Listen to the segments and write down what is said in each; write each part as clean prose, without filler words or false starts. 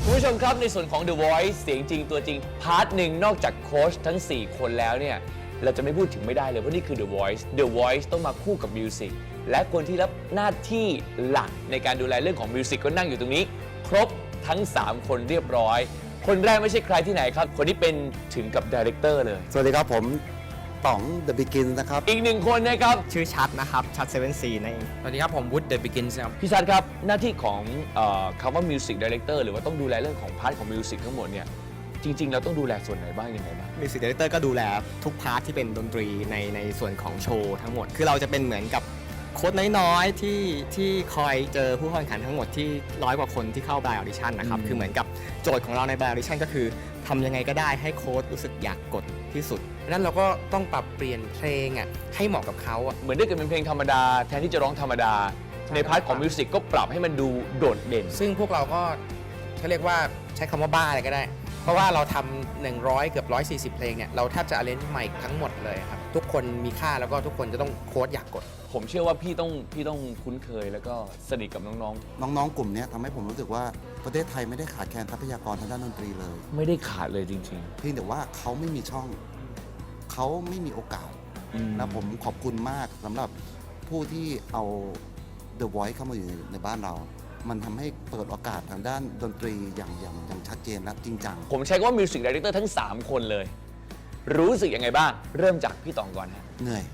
คุณผู้ชมครับในส่วนของ The Voice เสียงจริงตัวจริงพาร์ทหนึ่งนอกจากโค้ชทั้ง 4 คนแล้วเนี่ยเราจะไม่พูดถึงไม่ได้เลยเพราะนี่คือ The Voice The Voice ต้องมาคู่กับมิวสิกและคนที่รับหน้าที่หลักในการดูแลเรื่องของมิวสิกก็นั่งอยู่ตรงนี้ครบทั้ง 3 คนเรียบร้อยคนแรกไม่ใช่ใครที่ไหนครับคนที่เป็นถึงกับไดเรคเตอร์เลยสวัสดีครับผมต๋อง The Begin นะครับอีกหนึ่งคนนะครับชื่อชัดนะครับชัด 7C นั่นเองสวัสดีครับผมวุฒิ The Begins ครับพี่ชัดครับหน้าที่ของคำว่ามิวสิกไดเรคเตอร์หรือว่าต้องดูแลเรื่องของพาร์ทของมิวสิกทั้งหมดเนี่ยจริงๆเราต้องดูแลส่วนไหนบ้างยังไงบ้างมิวสิกดีเรคเตอร์ก็ดูแลทุกพาร์ทที่เป็นดนตรีในส่วนของโชว์ทั้งหมดคือเราจะเป็นเหมือนกับโค้ดน้อยๆที่คอยเจอผู้เข้าแข่งขันทั้งหมดที่100 กว่าคนที่เข้าบายออดิชั่นนะครับคือเหมือนกับโจทย์ของเราในบายออดิชั่นก็คือทำยังไงก็ได้ให้โค้ดรู้สึกอยากกดที่สุดนั้นเราก็ต้องปรับเปลี่ยนเพลงให้เหมาะกับเขาเหมือนได้เกิดเป็นเพลงธรรมดาแทนที่จะร้องธรรมดาในพาร์ทของมิวสิกก็ปรับให้มันดูโดดเด่นซึ่งพวกเราก็เขาเรียกว่าใช้คำว่าบ้าอะไรก็ได้เพราะว่าเราทำ100 เกือบ140 เพลงเนี่ยเราแทบจะอาเลนจ์ใหม่ทั้งหมดเลยครับทุกคนมีค่าแล้วก็ทุกคนจะต้องโค้ดอยากกดผมเชื่อว่าพี่ต้องคุ้นเคยแล้วก็สนิทกับน้องๆกลุ่มนี้ทำให้ผมรู้สึกว่าประเทศไทยไม่ได้ขาดแคลนทรัพยากรทางด้านดนตรีเลยไม่ได้ขาดเลยจริงๆเพียงแต่ว่าเขาไม่มีช่องเขาไม่มีโอกาสนะผมขอบคุณมากสำหรับผู้ที่เอา The Voice เข้ามาอยู่ในบ้านเรามันทำให้เปิดโอกาสทางด้านดนตรีอย่างชัดเจนและจริงจังผมใช้คำว่ามิวสิกไดเรคเตอร์ทั้ง3 คนเลยรู้สึกยังไงบ้างเริ่มจากพี่ต๋องก่อนฮะเหนื่อย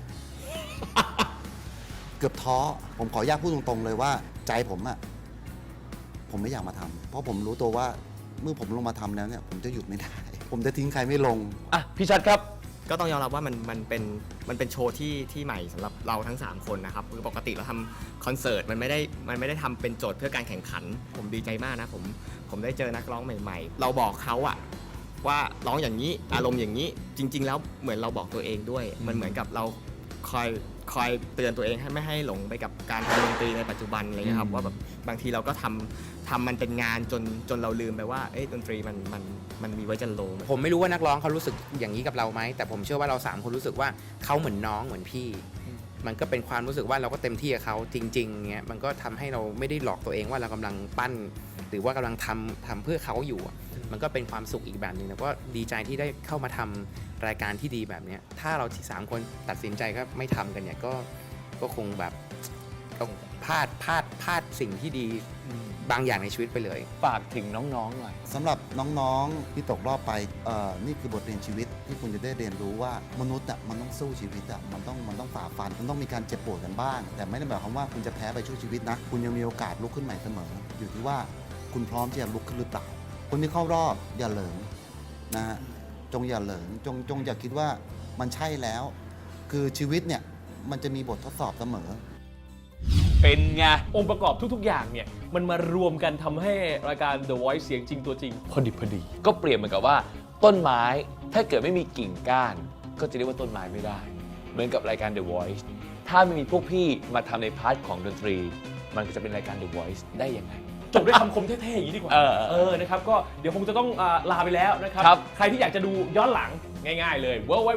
เกือบท้อผมขออนุญาตพูดตรงๆเลยว่าใจผมไม่อยากมาทำเพราะผมรู้ตัวว่าเมื่อผมลงมาทำแล้วเนี่ยผมจะหยุดไม่ได้ ผมจะทิ้งใครไม่ลงอ่ะพี่ชัดครับก็ต้องยอมรับว่ามันเป็นโชว์ที่ใหม่สำหรับเราทั้ง3 คนนะครับคือปกติเราทำคอนเสิร์ตมันไม่ได้ทำเป็นโจทย์เพื่อการแข่งขันผมดีใจมากนะผมได้เจอนักร้องใหม่ๆเราบอกเขาว่าร้องอย่างนี้อารมณ์อย่างนี้จริงๆแล้วเหมือนเราบอกตัวเองด้วยมันเหมือนกับเราคอยเตือนตัวเองให้ไม่ให้หลงไปกับการทำดนตรีในปัจจุบันอะไรเงี้ยครับว่าแบบบางทีเราก็ทำมันเป็นงานจนเราลืมไปว่าดนตรีมันมีไว้จะโลผมไม่รู้ว่านักร้องเขารู้สึกอย่างนี้กับเราไหมแต่ผมเชื่อว่าเรา3 คนรู้สึกว่าเขาเหมือนน้องเหมือนพี่มันก็เป็นความรู้สึกว่าเราก็เต็มที่กับเขาจริงๆเงี้ยมันก็ทำให้เราไม่ได้หลอกตัวเองว่าเรากำลังปั้นหรือว่ากำลังทำเพื่อเขาอยู่มันก็เป็นความสุขอีกแบบนึงแล้วก็ดีใจที่ได้เข้ามาทำรายการที่ดีแบบนี้ถ้าเรา3 คนตัดสินใจก็ไม่ทำกันเนี่ยก็คงแบบต้องพลาดสิ่งที่ดีบางอย่างในชีวิตไปเลยฝากถึงน้องๆหน่อยสำหรับน้องๆที่ตกรอบไปนี่คือบทเรียนชีวิตที่คุณจะได้เรียนรู้ว่ามนุษย์มันต้องสู้ชีวิตมันต้องฝ่าฟันมันต้องมีการเจ็บปวดกันบ้างแต่ไม่ได้หมายความว่าคุณจะแพ้ไปชั่วชีวิตนะคุณยังมีโอกาสลุกขึ้นใหม่เสมออยู่ที่ว่าคุณพร้อมที่จะลุกขึ้นหรือเปล่าคนที่เข้ารอบอย่าเหลิงนะฮะจงอย่าเหลิงจงอย่าคิดว่ามันใช่แล้วคือชีวิตเนี่ยมันจะมีบททดสอบเสมอเป็นไงองค์ประกอบทุกๆอย่างเนี่ยมันมารวมกันทำให้รายการ The Voice เสียงจริงตัวจริงพอดีก็เปรียบเหมือนกับว่าต้นไม้ถ้าเกิดไม่มีกิ่งก้านก็จะเรียกว่าต้นไม้ไม่ได้เหมือนกับรายการ The Voice ถ้าไม่มีพวกพี่มาทำในพาร์ทของดนตรีมันก็จะเป็นรายการ The Voice ได้ยังไงจบด้วยคำคมเท่ๆอย่างนี้ดีกว่านะครับก็เดี๋ยวคงจะต้องลาไปแล้วนะครับใครที่อยากจะดูย้อนหลังง่ายๆเลย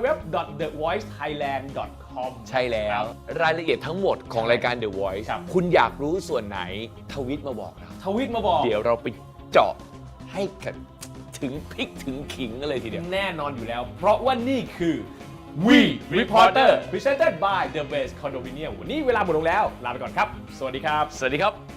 www.thevoicethailand.com ใช่แล้วรายละเอียดทั้งหมดของรายการ The Voice คุณอยากรู้ส่วนไหนทวิตมาบอกเราเดี๋ยวเราไปเจาะให้ถึงพริกถึงขิงกันเลยทีเดียวแน่นอนอยู่แล้วเพราะว่านี่คือ We Reporter Presented by The Best Condominium วันนี้เวลาหมดลงแล้วลาไปก่อนครับสวัสดีครับ